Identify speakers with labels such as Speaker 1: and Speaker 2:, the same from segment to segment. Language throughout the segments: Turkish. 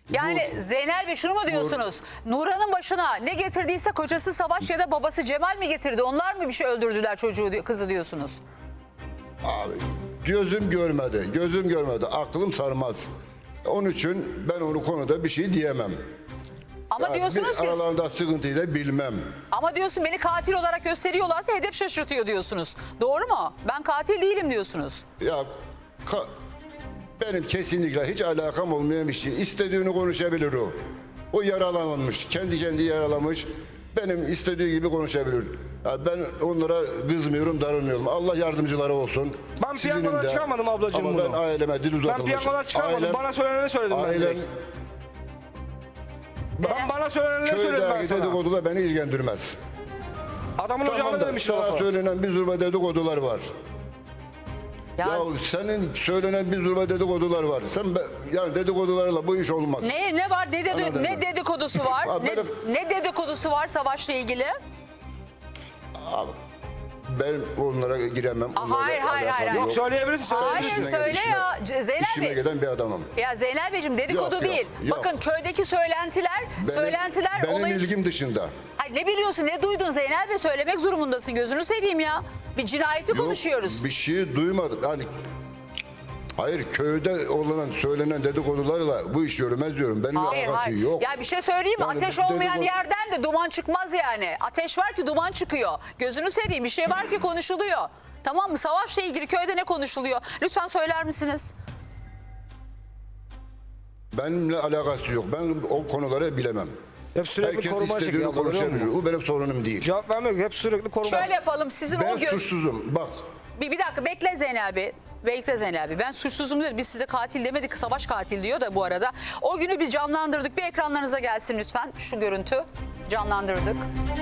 Speaker 1: Yani Zeynel Bey şunu mu diyorsunuz? Nurhan'ın başına ne getirdiyse kocası Savaş ya da babası Cemal mi getirdi? Onlar mı bir şey öldürdüler çocuğu, kızı diyorsunuz?
Speaker 2: Abi, gözüm görmedi, aklım sarmaz. Onun için ben onu konuda bir şey diyemem.
Speaker 1: Ama
Speaker 2: Yani
Speaker 1: diyorsunuz ki...
Speaker 2: aralarında sıkıntıyı da bilmem.
Speaker 1: Ama diyorsun beni katil olarak gösteriyorlarsa hedef şaşırtıyor diyorsunuz. Doğru mu? Ben katil değilim diyorsunuz.
Speaker 2: Ya benim kesinlikle hiç alakam olmayan bir şey. İstediğini konuşabilir o. O yaralanmış, kendi yaralamış. Benim istediği gibi konuşabilir. Ya ben onlara kızmıyorum, darılmıyorum. Allah yardımcıları olsun.
Speaker 3: Ben piyangodan çıkarmadım ablacığım
Speaker 2: ama
Speaker 3: bunu.
Speaker 2: ben aileme dil uzatılmış.
Speaker 3: Ben piyangodan çıkarmadım. Bana söyleneni söyledim ben direkt. Bana söyleneni söyledim ben
Speaker 2: Köydeki
Speaker 3: sana.
Speaker 2: dedikodular beni ilgilendirmez.
Speaker 3: Adamın
Speaker 2: Tamam
Speaker 3: ocağında
Speaker 2: da
Speaker 3: demiş
Speaker 2: sana
Speaker 3: lafı.
Speaker 2: söylenen bir zurba dedikodular var. Ya senin söylenen bir zurba dedikodular var. Yani dedikodularla bu iş olmaz.
Speaker 1: Ne var? Ne dedikodusu var?
Speaker 2: Abi
Speaker 1: ne dedikodusu var Savaş'la ilgili?
Speaker 2: Abi, ben onlara giremem.
Speaker 1: Hayır.
Speaker 3: Yok söyleyebilirsin.
Speaker 1: Hayır söyle ya Zeynel
Speaker 2: İşime
Speaker 1: Bey.
Speaker 2: giden bir adamım.
Speaker 1: Ya Zeynel Beyciğim dedikodu
Speaker 2: Yok,
Speaker 1: değil.
Speaker 2: yok.
Speaker 1: Bakın köydeki söylentiler
Speaker 2: Benim
Speaker 1: olayın...
Speaker 2: ilgim dışında.
Speaker 1: Ay ne biliyorsun ne duydun Zeynel Bey söylemek durumundasın gözünü seveyim ya. Bir cinayeti konuşuyoruz.
Speaker 2: Bir şey duymadım. Hani hayır köyde söylenen dedikodularla bu iş yürümez diyorum. Benim alakası yok.
Speaker 1: Ya bir şey söyleyeyim mi?
Speaker 2: Yani
Speaker 1: Ateş olmayan yerden de duman çıkmaz yani. Ateş var ki duman çıkıyor. Gözünü seveyim bir şey var ki konuşuluyor. Tamam mı? Savaşla ilgili köyde ne konuşuluyor? Lütfen söyler misiniz?
Speaker 2: Benimle alakası yok. Ben o konuları bilemem.
Speaker 3: Hep sürekli
Speaker 2: Herkes
Speaker 3: koruma
Speaker 2: istediğini
Speaker 3: çekiyor.
Speaker 2: konuşabilir. O benim sorunum değil.
Speaker 3: Cevap vermiyor. Hep sürekli koruma.
Speaker 1: Şöyle yapalım sizin
Speaker 2: Ben
Speaker 1: o gün...
Speaker 2: suçsuzum. Bak.
Speaker 1: Bir dakika bekle Zeynel Bey. Bekle Zeynel Bey. Ben suçsuzum dedim. Biz size katil demedik. Savaş katil diyor da bu arada. O günü biz canlandırdık. Bir ekranlarınıza gelsin lütfen. Şu görüntü. Canlandırdık.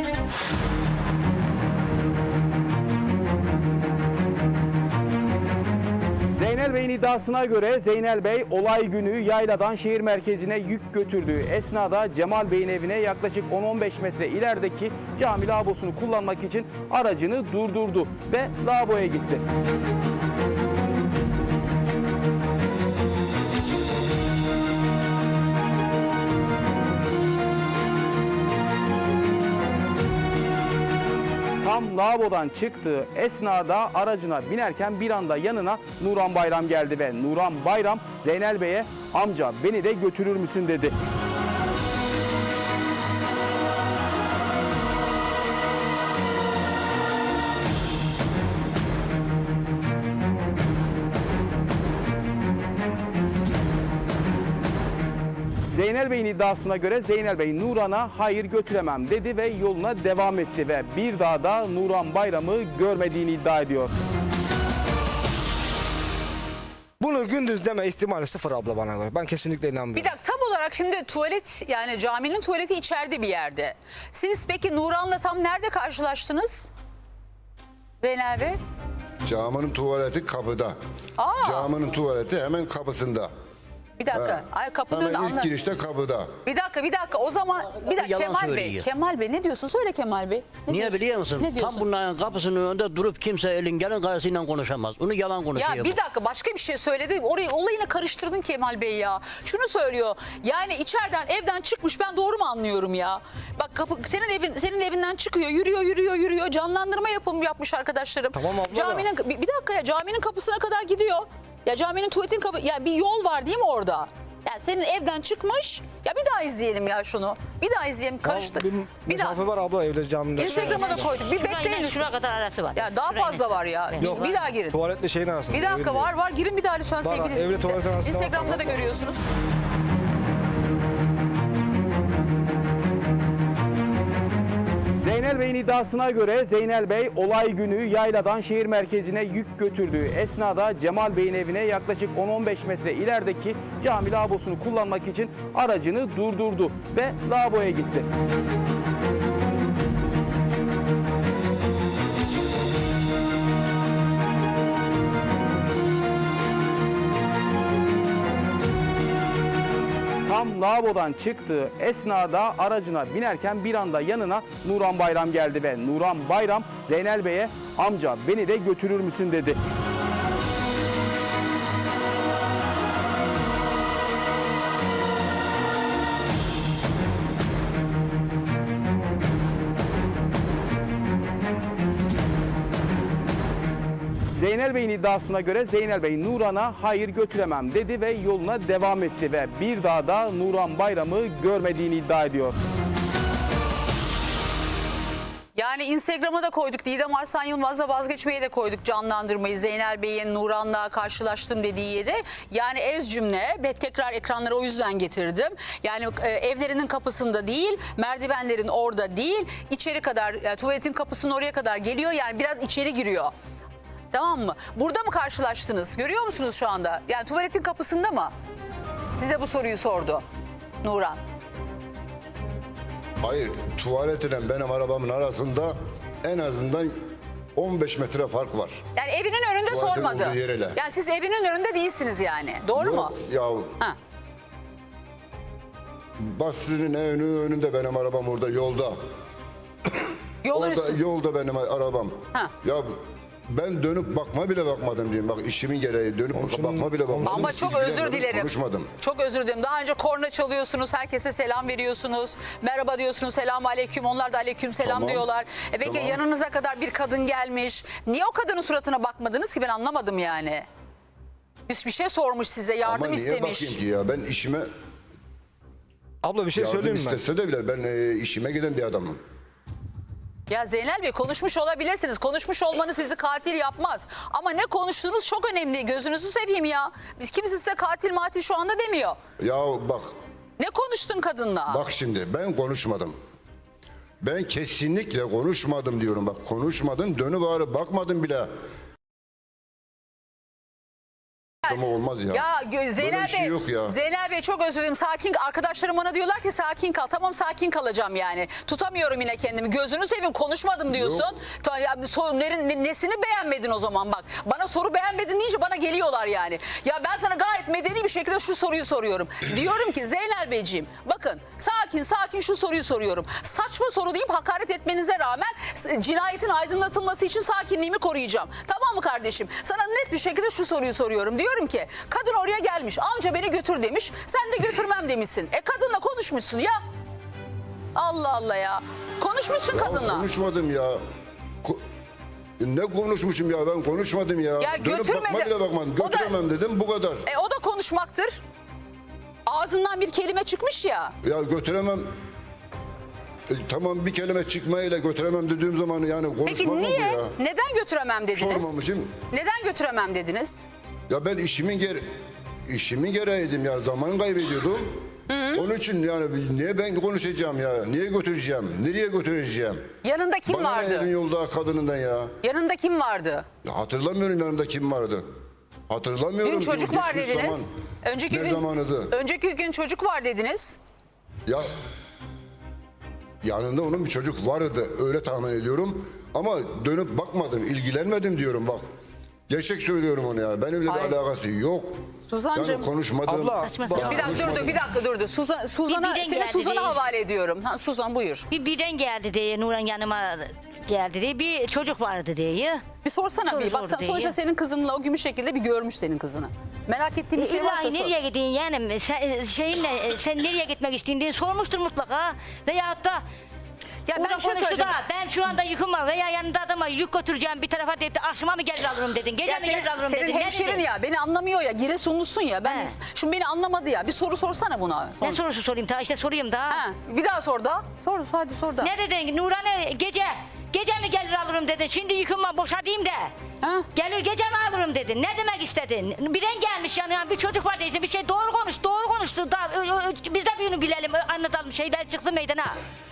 Speaker 4: Zeynel Bey'in iddiasına göre Zeynel Bey olay günü yayladan şehir merkezine yük götürdüğü esnada Cemal Bey'in evine yaklaşık 10-15 metre ilerideki cami lavabosunu kullanmak için aracını durdurdu ve lavaboya gitti. Tam lavabodan çıktığı esnada aracına binerken bir anda yanına Nurhan Bayram geldi ve Nurhan Bayram Zeynel Bey'e amca beni de götürür müsün dedi. Zeynel Bey'in iddiasına göre Zeynel Bey Nurhan'a hayır götüremem dedi ve yoluna devam etti ve bir daha da Nurhan Bayram'ı görmediğini iddia ediyor.
Speaker 3: Bunu gündüz deme ihtimali sıfır abla bana göre. Ben kesinlikle inanmıyorum.
Speaker 1: Bir dakika tam olarak şimdi tuvalet yani caminin tuvaleti içeride bir yerde. Siz peki Nurhan'la tam nerede karşılaştınız? Zeynel Bey?
Speaker 2: Caminin tuvaleti kapıda. Caminin tuvaleti hemen kapısında.
Speaker 1: Bir dakika. Ay kapının
Speaker 2: Hemen
Speaker 1: önünde
Speaker 2: ilk
Speaker 1: anla.
Speaker 2: girişte kapıda.
Speaker 1: Bir dakika. O zaman bir dakika
Speaker 5: Yalan
Speaker 1: Kemal Bey.
Speaker 5: söylüyor.
Speaker 1: Kemal Bey ne diyorsun? Söyle Kemal Bey. Ne
Speaker 5: Niye
Speaker 1: diyorsun?
Speaker 5: biliyor musun?
Speaker 1: Ne diyorsun?
Speaker 5: Tam bunların kapısının önünde durup kimse elin gelin karşısıyla konuşamaz. Onu yalan konuşuyor.
Speaker 1: Ya bir dakika başka bir şey söyledi. Orayı olayını karıştırdın Kemal Bey ya. Şunu söylüyor. Yani içeriden evden çıkmış ben doğru mu anlıyorum ya? Bak kapı senin evinden çıkıyor. Yürüyor. Canlandırma yapmış arkadaşlarım.
Speaker 3: Tamam abla
Speaker 1: Caminin bir dakika ya caminin kapısına kadar gidiyor. Ya caminin tuvaletin kapı ya bir yol var değil mi orada? Yani senin evden çıkmış. Ya bir daha izleyelim ya şunu. Bir daha izleyelim. Karıştı.
Speaker 3: Bir mesafe var abla evde camide.
Speaker 1: Instagram'a da koyduk. Bir bekleyin lütfen.
Speaker 6: Şuraya kadar arası var.
Speaker 1: Ya daha fazla var ya.
Speaker 3: Yok.
Speaker 1: Bir daha girin.
Speaker 3: Tuvaletle şeyin arasında.
Speaker 1: Bir dakika
Speaker 3: evin
Speaker 1: var. Girin bir daha lütfen
Speaker 3: Var,
Speaker 1: sevgili
Speaker 3: evle
Speaker 1: izleyiciler.
Speaker 3: tuvalet arasında var
Speaker 1: Instagram'da da
Speaker 3: falan.
Speaker 1: görüyorsunuz.
Speaker 4: Zeynel Bey'in iddiasına göre Zeynel Bey olay günü yayladan şehir merkezine yük götürdüğü esnada Cemal Bey'in evine yaklaşık 10-15 metre ilerideki cami lavabosunu kullanmak için aracını durdurdu ve lavaboya gitti. Tam lavabodan çıktığı esnada aracına binerken bir anda yanına Nurhan Bayram geldi ve Nurhan Bayram Zeynel Bey'e amca beni de götürür müsün dedi. Zeynel Bey'in iddiasına göre Zeynel Bey Nuran'a hayır götüremem dedi ve yoluna devam etti ve bir daha da Nuran Bayram'ı görmediğini iddia ediyor.
Speaker 1: Yani Instagram'a da koyduk. Didem Arslan Yılmaz'la vazgeçmeyi de koyduk, canlandırmayı. Zeynel Bey'in Nuran'la karşılaştım dediği yeri. Yani ez cümle ve tekrar ekranlara o yüzden getirdim. Yani evlerinin kapısında değil, merdivenlerin orada değil, içeri kadar, tuvaletin kapısının oraya kadar geliyor. Yani biraz içeri giriyor. Tamam mı? Burada mı karşılaştınız? Görüyor musunuz şu anda? Yani tuvaletin kapısında mı? Size bu soruyu sordu Nuran.
Speaker 2: Hayır, tuvaletle benim arabamın arasında en azından 15 metre fark var.
Speaker 1: Yani evinin önünde
Speaker 2: Tuvaletin
Speaker 1: sormadı.
Speaker 2: olduğu yere.
Speaker 1: Yani siz evinin önünde değilsiniz yani. Doğru mu?
Speaker 2: Ya
Speaker 1: Ha.
Speaker 2: Basri'nin evinin önünde benim arabam orada yolda.
Speaker 1: Yolun
Speaker 2: Orada
Speaker 1: üstü.
Speaker 2: yolda benim arabam.
Speaker 1: Ha.
Speaker 2: Ya ben dönüp bakma bile bakmadım diyeyim. Bak işimin gereği dönüp bakma bile bakmadım.
Speaker 1: Ama çok özür
Speaker 2: İlgilenmedim,
Speaker 1: dilerim.
Speaker 2: Konuşmadım.
Speaker 1: Çok özür dilerim. Daha önce korna çalıyorsunuz, herkese selam veriyorsunuz. Merhaba diyorsunuz, selam aleyküm. Onlar da aleyküm selam
Speaker 2: Tamam.
Speaker 1: diyorlar. Peki
Speaker 2: Tamam.
Speaker 1: yanınıza kadar bir kadın gelmiş. Niye o kadının suratına bakmadınız ki, ben anlamadım yani. Bir şey sormuş size, yardım
Speaker 2: Ama niye
Speaker 1: istemiş.
Speaker 2: bakayım ki ya? Ben işime
Speaker 3: Abla bir şey
Speaker 2: yardım
Speaker 3: söyleyeyim mi?
Speaker 2: istese de bile ben işime giden bir adamım.
Speaker 1: Ya Zeynel Bey, konuşmuş olabilirsiniz. Konuşmuş olmanız sizi katil yapmaz. Ama ne konuştuğunuz çok önemli. Gözünüzü seveyim ya. Biz kimse size katil matil şu anda demiyor.
Speaker 2: Ya bak
Speaker 1: Ne konuştun kadınla?
Speaker 2: Bak şimdi ben konuşmadım. Ben kesinlikle konuşmadım diyorum. Bak konuşmadım, dönüp ağrı bakmadım bile. Ama olmaz ya.
Speaker 1: Ya Zeynel
Speaker 2: Böyle bir şey
Speaker 1: Bey,
Speaker 2: yok ya.
Speaker 1: Zeynel Bey çok özür dilerim. Sakin, arkadaşlarım bana diyorlar ki sakin kal. Tamam, sakin kalacağım yani. Tutamıyorum yine kendimi. Gözünü seveyim, konuşmadım diyorsun. Ya, nesini beğenmedin o zaman bak. Bana soru beğenmedin deyince bana geliyorlar yani. Ya ben sana gayet medeni bir şekilde şu soruyu soruyorum. Diyorum ki Zeynel Beyciğim, bakın sakin şu soruyu soruyorum. Saçma soru deyip hakaret etmenize rağmen cinayetin aydınlatılması için sakinliğimi koruyacağım. Tamam mı kardeşim? Sana net bir şekilde şu soruyu soruyorum. Diyorum ki kadın oraya gelmiş, amca beni götür demiş, sen de götürmem demişsin. Kadınla konuşmuşsun ya. Allah Allah ya. Konuşmuşsun
Speaker 2: Ya
Speaker 1: kadınla.
Speaker 2: konuşmadım ya. Ne konuşmuşum ya, ben konuşmadım ya.
Speaker 1: Ya
Speaker 2: Dönüp bakma
Speaker 1: götürmedi.
Speaker 2: bile bakmadım.
Speaker 1: O da-
Speaker 2: Götüremem dedim, bu kadar.
Speaker 1: O da konuşmaktır. Ağzından bir kelime çıkmış ya.
Speaker 2: Ya götüremem. Tamam, bir kelime çıkmayla götüremem dediğim zaman yani konuşmam
Speaker 1: Peki
Speaker 2: oldu
Speaker 1: niye?
Speaker 2: ya.
Speaker 1: Neden götüremem dediniz?
Speaker 2: Sormamışım.
Speaker 1: Neden götüremem dediniz?
Speaker 2: Ya ben işimin gereğiydim ya, zaman kaybediyordum. Onun için yani niye ben konuşacağım ya? Niye götüreceğim? Nereye götüreceğim?
Speaker 1: Yanında kim
Speaker 2: Bana ne
Speaker 1: vardı?
Speaker 2: elin yolda kadınından ya?
Speaker 1: Yanında kim vardı?
Speaker 2: Ya hatırlamıyorum yanımda kim vardı. Hatırlamıyorum.
Speaker 1: Dün çocuk var
Speaker 2: Geçmiş
Speaker 1: dediniz.
Speaker 2: zaman.
Speaker 1: Önceki
Speaker 2: Ne
Speaker 1: gün
Speaker 2: zamanıydı?
Speaker 1: Önceki gün çocuk var dediniz.
Speaker 2: Ya yanında onun bir çocuk vardı, öyle tahmin ediyorum. Ama dönüp bakmadım, ilgilenmedim diyorum bak. Gerçek söylüyorum onu ya. Benimle de
Speaker 1: Hayır.
Speaker 2: alakası yok.
Speaker 1: Suzancığım.
Speaker 2: Yani konuşmadım.
Speaker 3: Abla,
Speaker 5: Saçma
Speaker 3: bak-
Speaker 5: sapan.
Speaker 1: Bir dakika durdu. Suzan'a
Speaker 6: biren
Speaker 1: seni
Speaker 6: geldi
Speaker 1: Suzan'a
Speaker 6: değil.
Speaker 1: havale ediyorum. Ha, Suzan buyur.
Speaker 6: Birden geldi diye Nuran yanıma geldi diye bir çocuk vardı diye.
Speaker 1: Bir sorsana
Speaker 6: Soru
Speaker 1: bir. Bak
Speaker 6: sordu
Speaker 1: sen
Speaker 6: diye.
Speaker 1: sonuçta senin kızınla o gün bir şekilde bir görmüş senin kızını. Merak ettiğim bir şey varsa
Speaker 6: İlahi
Speaker 1: sor.
Speaker 6: nereye gidiyorsun yani sen nereye gitmek istiyorsun diye sormuştur mutlaka. Veyahut da
Speaker 1: Ya ben
Speaker 6: orada
Speaker 1: bir şey
Speaker 6: konuştu
Speaker 1: söyleyeceğim.
Speaker 6: da ben şu anda yüküm var veya yanında adama yük götüreceğim bir tarafa dedi akşama mı gelir alırım dedin. Gece
Speaker 1: Ya
Speaker 6: mi gelir alırım dedin.
Speaker 1: senin
Speaker 6: Ne
Speaker 1: hemşerin
Speaker 6: dedin?
Speaker 1: ya, beni anlamıyor ya, Giresunlusun ya. Ben
Speaker 6: He.
Speaker 1: şimdi beni anlamadı ya. Bir soru sorsana buna.
Speaker 6: Ne sorusu sorayım ta işte sorayım da.
Speaker 1: Ha, bir daha sor da. Sor, hadi sor da.
Speaker 6: Ne dedin Nuran'ı gece mi gelir alırım dedin. Şimdi yüküm var boşadayım de.
Speaker 1: Ha?
Speaker 6: Gelir gece mi alırım dedin. Ne demek istedin? Biren gelmiş yani bir çocuk var değilse bir şey doğru konuştu. Da, biz de bunu bilelim anlatalım şeyler çıksın meydana.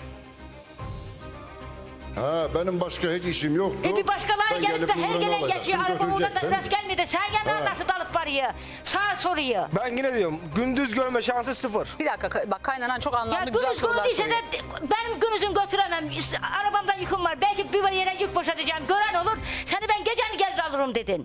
Speaker 2: Ha, benim başka hiç işim yoktu.
Speaker 6: Bir başkaları
Speaker 2: Ben
Speaker 6: gelip de her
Speaker 2: Nurhan'ı
Speaker 6: gelen
Speaker 2: alacaktım,
Speaker 6: geçiyor araba oradan
Speaker 2: götürecektim.
Speaker 6: rast gelmedi. Sen gene nasıl dalıp varıyor? Sağ soruyor.
Speaker 3: Ben yine diyorum gündüz görme şansı sıfır.
Speaker 1: Bir dakika bak, kaynanan çok anlamlı
Speaker 6: Ya
Speaker 1: güzel
Speaker 6: günüz
Speaker 1: sorular
Speaker 6: gördüyse
Speaker 1: soruyor.
Speaker 6: de benim günüzün götüremem. Arabamda yüküm var. Belki bir yere yük boşaltacağım. Gören olur. Seni ben gece mi gelir alırım dedin.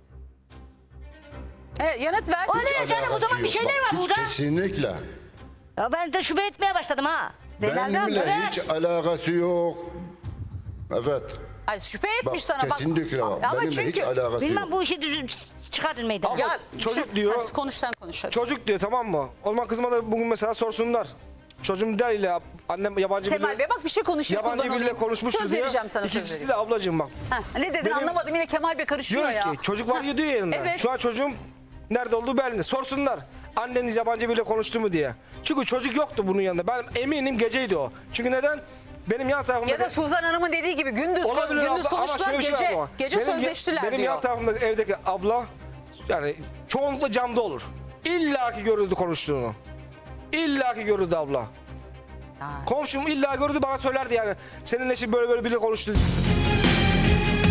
Speaker 1: Evet, yanıt ver.
Speaker 6: O ne canım o zaman bir
Speaker 2: Alakası
Speaker 6: şeyler
Speaker 2: yok.
Speaker 6: var
Speaker 2: Bak,
Speaker 6: burada.
Speaker 2: Hiç kesinlikle.
Speaker 6: Ya ben de şüphe etmeye başladım ha.
Speaker 2: Benimle
Speaker 6: evet.
Speaker 2: hiç alakası yok. Evet.
Speaker 1: Ay, şüphe etmiş
Speaker 2: Bak
Speaker 1: sana bak.
Speaker 2: kesinlikle bak.
Speaker 1: Ama
Speaker 2: Benimle
Speaker 1: çünkü...
Speaker 2: hiç alakası
Speaker 6: Bilmem
Speaker 2: yok.
Speaker 6: bu işi çıkartın meydana.
Speaker 1: Ya
Speaker 3: Çocuk diyor.
Speaker 1: Hadi konuş sen konuş. Hadi.
Speaker 3: Çocuk diyor, tamam mı? O zaman kızıma da bugün mesela sorsunlar. Çocuğum deriyle annem yabancı
Speaker 1: Kemal Bey bak bir şey konuşuyor.
Speaker 3: yabancı
Speaker 1: kurban
Speaker 3: biriyle
Speaker 1: olayım.
Speaker 3: konuşmuştu
Speaker 1: Söz
Speaker 3: diye.
Speaker 1: vereceğim sana, söz
Speaker 3: İkincisi
Speaker 1: vereceğim.
Speaker 3: de ablacığım bak.
Speaker 1: Heh, ne dedin
Speaker 3: Benim-
Speaker 1: anlamadım, yine Kemal Bey karışıyor
Speaker 3: Diyor
Speaker 1: ya.
Speaker 3: ki çocuk var ya diyor yanında.
Speaker 1: Evet.
Speaker 3: Şu an çocuğum nerede olduğu belli. Sorsunlar anneniz yabancı biriyle konuştu mu diye. Çünkü çocuk yoktu bunun yanında. Ben eminim geceydi o. Çünkü neden? Benim yan tarafımda...
Speaker 1: Ya da Suzan Hanım'ın dediği gibi gündüz
Speaker 3: Olabilir
Speaker 1: gündüz
Speaker 3: abla, ama
Speaker 1: konuştular,
Speaker 3: şöyle bir şey var
Speaker 1: gece
Speaker 3: ama.
Speaker 1: gece
Speaker 3: Benim-
Speaker 1: sözleştiler
Speaker 3: Benim
Speaker 1: diyor.
Speaker 3: yan tarafımda evdeki abla yani çoğunlukla camda olur. İlla ki görürdü konuştuğunu. İlla ki görürdü abla. Komşum illa gördü bana söylerdi yani. Senin eşin böyle böyle biri konuştu.